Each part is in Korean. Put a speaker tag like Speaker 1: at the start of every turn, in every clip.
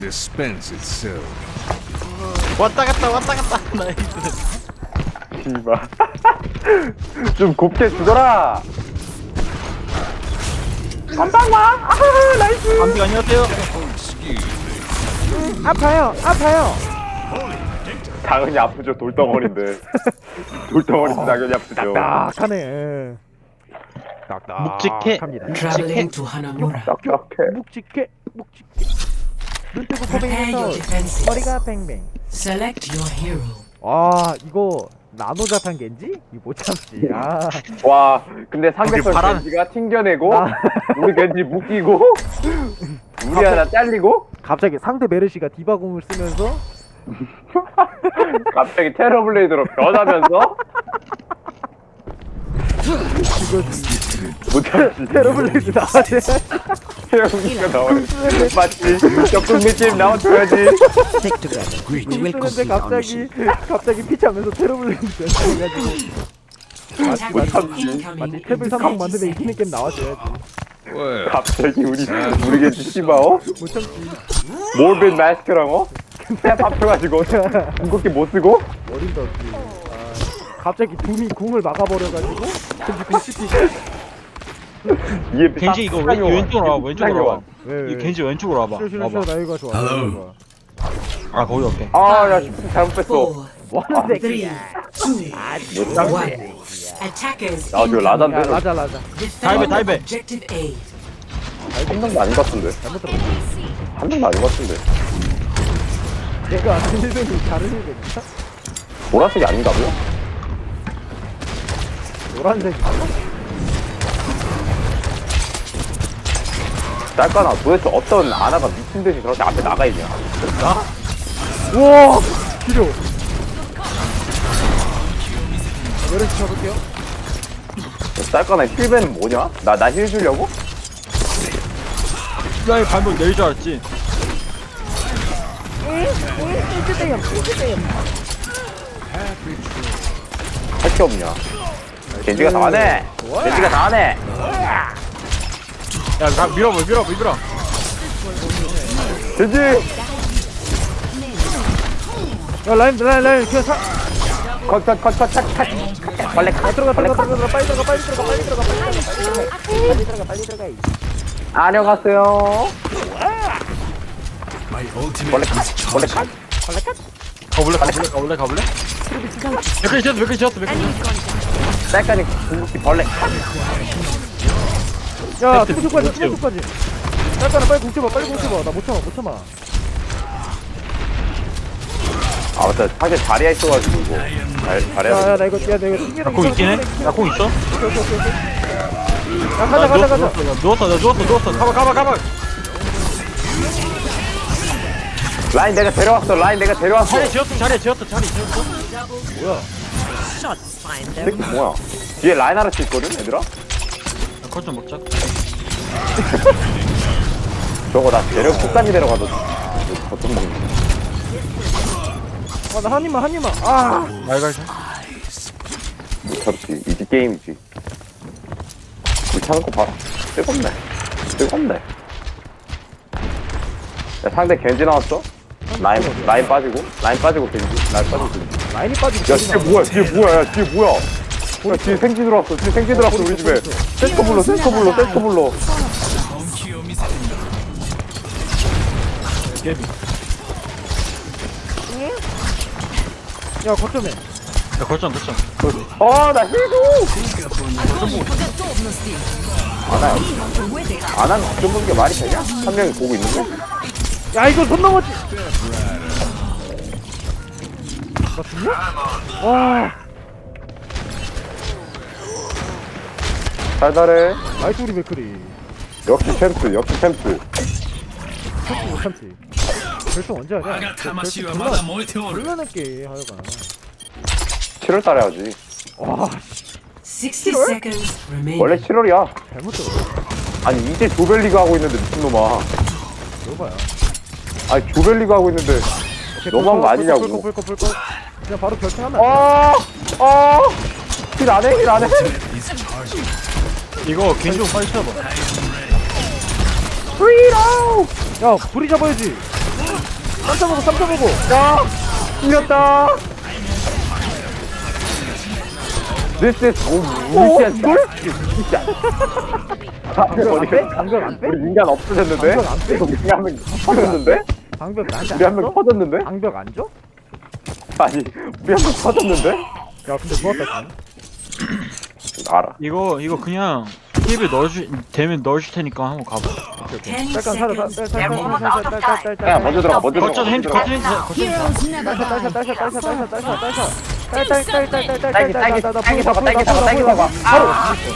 Speaker 1: dispense itself.
Speaker 2: 왔다 갔다 나이스.
Speaker 3: 씨발. 좀 곱게 죽어라. 한방 와. 아, 나이스.
Speaker 2: 감기 안녕하세요.
Speaker 4: 아파요.
Speaker 3: 당연히 아프죠. 돌덩어리인데. 돌덩어리 당연히 아프죠.
Speaker 4: 딱하네.
Speaker 2: 묵직해.
Speaker 5: Traveling to Hanamura.
Speaker 3: 딱딱해.
Speaker 4: 묵직해. 눈 뜨고
Speaker 5: Prepare your
Speaker 4: 코뱅해서
Speaker 5: defenses.
Speaker 4: 머리가 뱅뱅.
Speaker 5: Select your hero.
Speaker 4: 아 이거 나노자탄 겐지? 이거 못 참지. 아
Speaker 3: 와, 근데 상대편
Speaker 2: 바람-
Speaker 3: 겐지가 튕겨내고
Speaker 4: 아.
Speaker 3: 우리 겐지 묶이고 우리 하나 잘리고
Speaker 4: 갑자기 상대 메르시가 디바공을 쓰면서
Speaker 3: 갑자기 테러블레이드로 변하면서 못하지.
Speaker 4: 테러블레이드 나와야
Speaker 3: 태영이가 나오네. 맞지? 적금미집 나와줘야지.
Speaker 4: 쓰는데 갑자기 피치하면서 테러블레이드 해가지고
Speaker 3: 못하지.
Speaker 4: 마치
Speaker 5: Incoming
Speaker 4: 탭을
Speaker 5: in
Speaker 4: 삼성
Speaker 5: 30
Speaker 4: 만들면 이기는
Speaker 5: seconds.
Speaker 4: 게임 나와줘야지.
Speaker 1: Well,
Speaker 3: 갑자기 우리 겐지 씨바어?
Speaker 4: 못 참지.
Speaker 3: 몰빈 마스크랑 탭 합쳐가지고 궁극기 못 쓰고
Speaker 4: 어림도 없지. 아, 갑자기 둠이 궁을 막아버려가지고 겐지 궁 씹히고.
Speaker 3: 이에
Speaker 2: 겐지 이거 왼쪽으로 와봐. 왼쪽으로 와봐.
Speaker 4: 왜?
Speaker 2: 이 겐지 왼쪽으로 와봐.
Speaker 4: 싫어
Speaker 2: 와봐.
Speaker 4: 나이가 좋아. 나이가.
Speaker 2: 아 거기 없게.
Speaker 3: 아야 시프트 잘못 뺐어.
Speaker 5: Four,
Speaker 4: 뭐하는
Speaker 5: three,
Speaker 4: 새끼야.
Speaker 5: two, one. Attackers
Speaker 3: 아, 저
Speaker 4: 야
Speaker 3: 라잔데
Speaker 4: 라자.
Speaker 5: defend
Speaker 2: 다이베.
Speaker 5: objective A.
Speaker 3: 한 명도 아닌 것 같은데.
Speaker 4: 잘못 들었어.
Speaker 3: 한 명도 아닌 것 같은데.
Speaker 4: 얘가 일변이 다른 일변이야?
Speaker 3: 보라색이 아닌가고요?
Speaker 4: 노란색이.
Speaker 3: 짤까나 도대체 어떤 아나가 미친 듯이 저렇게 앞에 나가 있냐?
Speaker 4: 우와 필요. 메르시 쳐볼게요.
Speaker 3: 짤까나 힐벤은 뭐냐? 나 힐 주려고?
Speaker 2: 야이 발목 내릴 줄 알았지.
Speaker 3: 할 게 없냐? 겐지가 다 하네. 겐지가 다 하네.
Speaker 2: 야 밀어.
Speaker 3: 겐지.
Speaker 4: 야 라인 그냥 사.
Speaker 3: 컷. 빨리 컷.
Speaker 4: 들어가 빨리 들어가.
Speaker 3: 안녕하세요. 원래 컷.
Speaker 2: 가볼래? 몇 개 지었어.
Speaker 3: 짤까니 궁극기 벌레.
Speaker 4: 야 투수까지. 잠깐만 빨리 공쳐봐. 나 못 참아.
Speaker 3: 아 맞다. 사실 자리에 있어가지고 이거 잘해야
Speaker 4: 야나
Speaker 3: 돼.
Speaker 4: 이거 튕기는
Speaker 2: 나공 있긴 해? 나 공 있어?
Speaker 4: 야 가자.
Speaker 2: 누웠어. 가봐.
Speaker 3: 라인 내가 데려왔어.
Speaker 2: 자리에 지었어.
Speaker 3: 새끼 뭐야? 뒤에 라인 하나씩 있거든, 얘들아?
Speaker 2: 컷좀 먹자.
Speaker 3: 저거 나 데려 끝까지 데려가도 거좀 먹네.
Speaker 4: 나 한 입만. 아
Speaker 2: 말갈자.
Speaker 3: 못하지. 이지 게임이지. 우리 차는 거 봐라. 뜨겁네. 야, 상대 겐지 나왔어? 라인 빠지고 겐지.
Speaker 4: 라인이 빠지고.
Speaker 3: 야, 뒤에 뭐야? 야, 뒤에 생지 들어왔어. 우리 집에. 센터 불러.
Speaker 4: 야 거점에.
Speaker 2: 야 거점.
Speaker 3: 나 힐도! 아난 걱정 보는 게 말이 되냐? 한 명이 보고 있는데?
Speaker 4: 야 이거 손 넘었지. 나 죽냐? 와
Speaker 3: 달달해.
Speaker 4: 나이스 우리 맥크리.
Speaker 3: 역시 챔프.
Speaker 4: 못 참지. 결승 언제 하냐? 불러낼게 하여간.
Speaker 3: 7월 달에 하지.
Speaker 4: 와
Speaker 5: 60 seconds remaining.
Speaker 3: 원래 7월이야.
Speaker 4: 잘못 들어.
Speaker 3: 아니, 이제 조별리가 하고 있는데, 미친놈아.
Speaker 4: 여봐야.
Speaker 3: 아니, 조별리가 하고 있는데. 너무한 거 아니냐고.
Speaker 4: 불 그냥 바로 결승하면.
Speaker 3: 힐 안 해?
Speaker 2: 이거 겐지 좀 빨리 쳐봐.
Speaker 4: 야 불이 잡아야지. 3.5.
Speaker 3: 야! 이겼다! This is 무시한 걸? 진짜.
Speaker 4: 방벽 안 빼? 방벽 안 빼?
Speaker 3: 우리 인간 없어졌는데?
Speaker 4: 방벽 안 빼?
Speaker 3: 우리 한명 터졌는데?
Speaker 4: 방벽 나한테
Speaker 3: 우리
Speaker 4: 안
Speaker 3: 한명
Speaker 4: 줘?
Speaker 3: 터졌는데?
Speaker 4: 방벽 안 줘?
Speaker 3: 아니, 우리 한명 터졌는데?
Speaker 4: 야 근데 좋았다 지금.
Speaker 3: 알아.
Speaker 2: 이거 그냥 힙을 되면 넣어줄 테니까 한번 가봐.
Speaker 5: 10
Speaker 4: 잠깐 살아
Speaker 5: seconds
Speaker 4: 살아
Speaker 5: remaining.
Speaker 3: 야, 먼저 들어가, 먼저
Speaker 2: 거점
Speaker 3: 들어가.
Speaker 2: 핸드 거점 핸드 거점 핸드.
Speaker 3: 딸기 사과. 바로!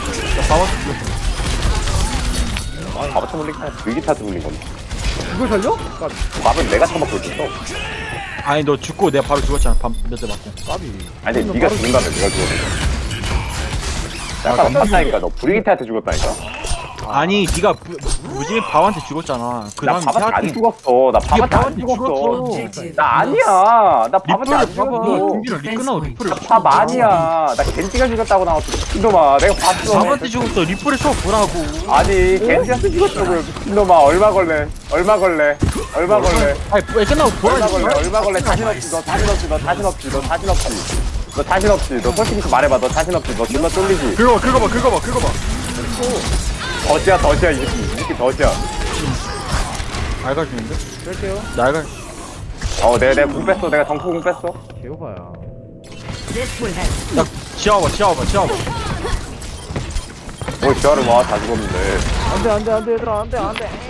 Speaker 3: 바보 쳐물린 거야. 위기타 들린 건데.
Speaker 4: 이걸 살려?
Speaker 3: 밥은 내가 처먹고 있었어.
Speaker 2: 아니 너 죽고 내가 바로 죽었잖아. 몇 대 맞고.
Speaker 4: 까비.
Speaker 3: 아니, 네가 죽는다며, 내가 죽었어. 약간 없었다니까, 너 브리기타한테 죽었다니까.
Speaker 2: 아니 네가 무지개 바한테 죽었잖아. 그
Speaker 3: 나
Speaker 2: 다음
Speaker 3: 밥한테 안
Speaker 2: 태아한테
Speaker 3: 죽었어. 나 밥한테 안
Speaker 2: 밥한테
Speaker 3: 죽었어.
Speaker 5: Objective
Speaker 3: 나 아니야. 나 밥한테 안
Speaker 2: 리플을 봐봐.
Speaker 3: 죽었어.
Speaker 2: 준비를 리 끝나고 리플을.
Speaker 3: 밥 아니야. 나 겐지가 죽었다고 나왔어. 미친놈아. 내가 봤어.
Speaker 2: 바한테 죽었어. 리플을 쳐 보라고.
Speaker 3: 아니, 겐지한테 죽었다고요. 미친놈아. 얼마 걸래? 얼마 걸래? 얼마 걸래?
Speaker 2: 아니 왜 끝나고
Speaker 3: 얼마
Speaker 2: 보라고.
Speaker 3: 걸래? 얼마 걸래? 자신 없지. 너 자신 없지. 너 자신 없지. 너 자신 없지. 너 자신 없지. 너 솔직히 좀 말해봐. 너 자신 없지. 너 존나 쫄리지.
Speaker 2: 긁어봐.
Speaker 3: 더지야, 더지야. 이 새끼 더지야.
Speaker 2: 알가주는데?
Speaker 4: 뺄게요.
Speaker 2: 날갈.
Speaker 3: 내가 궁 뺐어. 내가 정포궁 뺐어.
Speaker 4: 개오바야.
Speaker 2: 야 지워봐.
Speaker 3: 뭘 지하를 와. 다 죽었는데.
Speaker 4: 안돼 얘들아 안돼.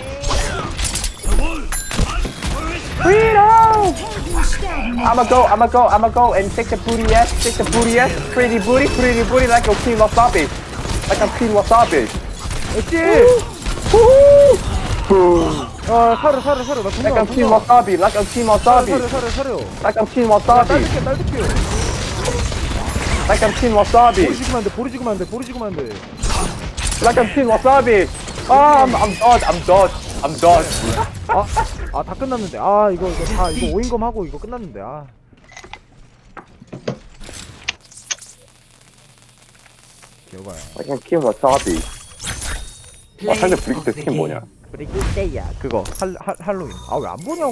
Speaker 3: I'ma go and take the booty ass, pretty booty like a queen wasabi. Like a queen wasabi.
Speaker 4: 엑지. 사료 나
Speaker 3: Like a queen
Speaker 4: 궁금.
Speaker 3: wasabi, like a queen wasabi.
Speaker 4: 사료.
Speaker 3: Like a queen wasabi,
Speaker 4: 딸줄게.
Speaker 3: like a queen wasabi,
Speaker 4: 보리 지구면 안 돼.
Speaker 3: like a queen wasabi. I'm done.
Speaker 4: 다 끝났는데. 이거 오인검 하고 이거 끝났는데. 개오바야.
Speaker 3: Like a queen wasabi.
Speaker 5: Play
Speaker 3: 상대
Speaker 5: of
Speaker 3: 브리기트
Speaker 5: the
Speaker 3: 스킨
Speaker 5: game.
Speaker 3: 뭐냐?
Speaker 4: 브리기테야 그거 할로윈. 왜 안 보냐고.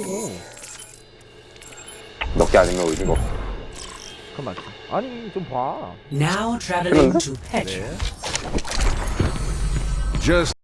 Speaker 3: 몇 개 아니면 의미가 없어.
Speaker 4: 그 맞지. 아니 좀 봐.
Speaker 5: Now traveling to Petra.
Speaker 1: Just